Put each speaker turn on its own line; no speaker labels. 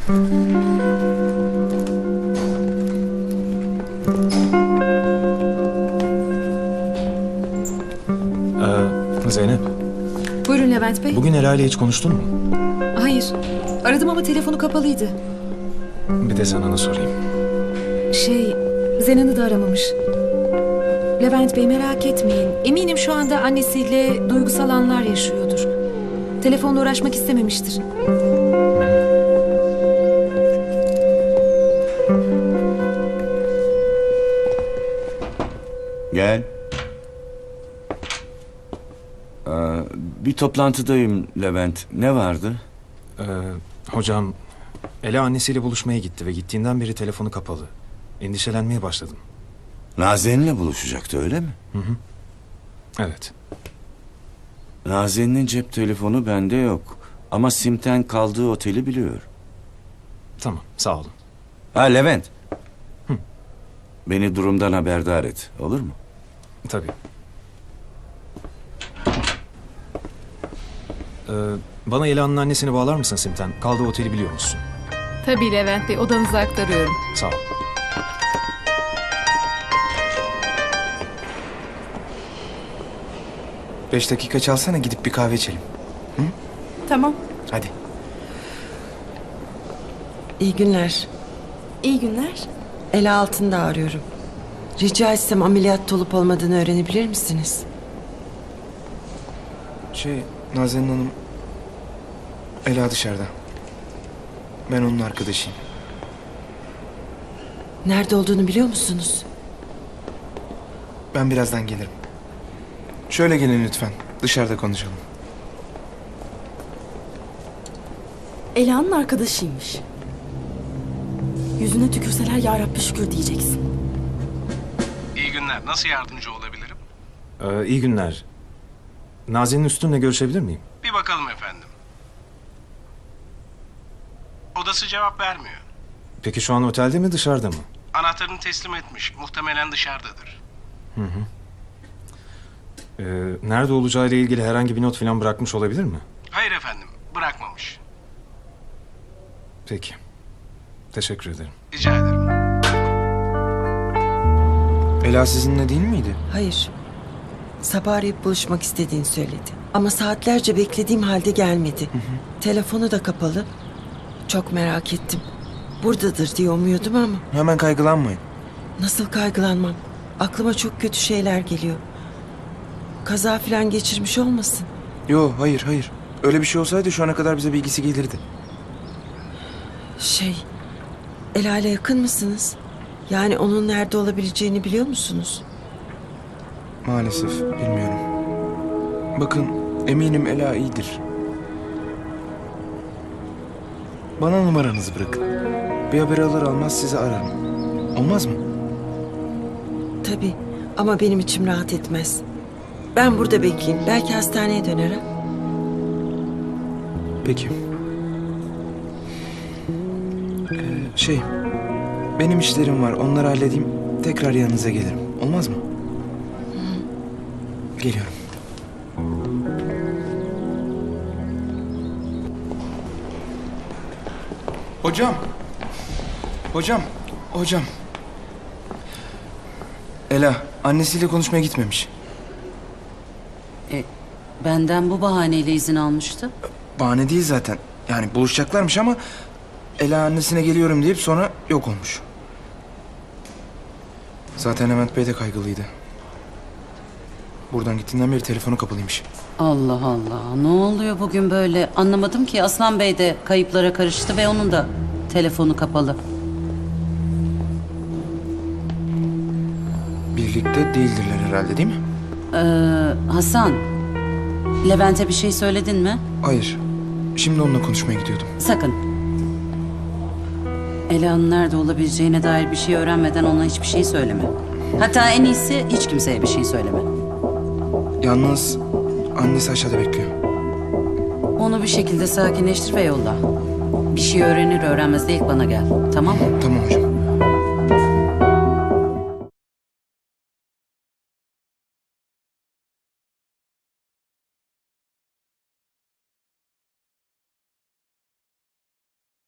Zeynep,
Buyurun Levent Bey.
bugün Ela ile hiç konuştun mu?
Hayır. Aradım ama telefonu kapalıydı.
Bir de Zenan'a sorayım.
Zenan'ı da aramamış. Levent Bey merak etmeyin. Eminim şu anda annesiyle duygusal anlar yaşıyordur. Telefonla uğraşmak istememiştir.
Gel. Bir toplantıdayım Levent. Ne vardı?
Hocam, Ela annesiyle buluşmaya gitti ve gittiğinden beri telefonu kapalı. Endişelenmeye başladım.
Nazen'le buluşacaktı öyle mi?
Evet.
Nazen'in cep telefonu bende yok. Ama Sim'ten kaldığı oteli biliyor.
Tamam, sağ olun.
Ha Levent. Beni durumdan haberdar et. Olur mu?
Tabii. Bana Ela'nın annesini bağlar mısın Simten? Kaldığı oteli biliyor musun?
Tabii Levent Bey, odanıza aktarıyorum.
Sağ ol.
Beş dakika çalsana, gidip bir kahve içelim.
Tamam.
Hadi.
İyi günler.
İyi günler.
Ela Altın'da arıyorum. Rica etsem ameliyatta olup olmadığını öğrenebilir misiniz?
Nazenin Hanım... Ela dışarıda. Ben onun arkadaşıyım.
Nerede olduğunu biliyor musunuz?
Ben birazdan gelirim. Şöyle gelin lütfen. Dışarıda konuşalım.
Ela'nın arkadaşıymış. Yüzüne tükürseler ya Rabbi şükür diyeceksin.
İyi günler. Nasıl yardımcı olabilirim?
İyi günler. Nazenin Üstün'le görüşebilir miyim?
Bir bakalım efendim. Odası cevap vermiyor.
Peki şu an otelde mi dışarıda mı?
Anahtarını teslim etmiş. Muhtemelen dışarıdadır.
Nerede olacağıyla ilgili herhangi bir not falan bırakmış olabilir mi?
Hayır efendim. Bırakmamış.
Peki. Teşekkür ederim.
Rica ederim.
Ela sizinle değil miydi?
Hayır. Sabah arayıp buluşmak istediğini söyledi. Ama saatlerce beklediğim halde gelmedi. Telefonu da kapalı. Çok merak ettim. Buradadır diye umuyordum ama
Hemen kaygılanmayın.
nasıl kaygılanmam. Aklıma çok kötü şeyler geliyor. Kaza falan geçirmiş olmasın?
Yo, hayır. Öyle bir şey olsaydı şu ana kadar bize bilgisi gelirdi.
Ela ile yakın mısınız? Yani onun nerede olabileceğini biliyor musunuz?
Maalesef bilmiyorum. Bakın, eminim Ela iyidir. Bana numaranızı bırakın. Bir haber alır almaz sizi ararım. Olmaz mı?
Tabii ama benim içim rahat etmez. Ben burada bekleyeyim. Belki hastaneye dönerim.
Peki. Benim işlerim var. Onları halledeyim. Tekrar yanınıza gelirim. Olmaz mı? Geliyorum. Hocam. Ela, annesiyle konuşmaya gitmemiş.
Benden bu bahaneyle izin almıştı.
Bahane değil zaten. Yani buluşacaklarmış ama Ela annesine geliyorum deyip sonra yok olmuş. Zaten Levent Bey de kaygılıydı. Buradan gittiğinden beri telefonu kapalıymış.
Allah Allah. Ne oluyor bugün böyle? Anlamadım ki. Aslan Bey de kayıplara karıştı ve onun da telefonu kapalı.
Birlikte değildirler herhalde, değil mi?
Hasan, Levent'e bir şey söyledin mi?
Hayır. Şimdi onunla konuşmaya gidiyordum.
Sakın. Ela'nın nerede olabileceğine dair bir şey öğrenmeden ona hiçbir şey söyleme. Hatta en iyisi hiç kimseye bir şey söyleme.
Yalnız annesi aşağıda bekliyor.
Onu bir şekilde sakinleştir ve yolla. Bir şey öğrenir öğrenmez de ilk bana gel. Tamam mı?
Tamam hocam.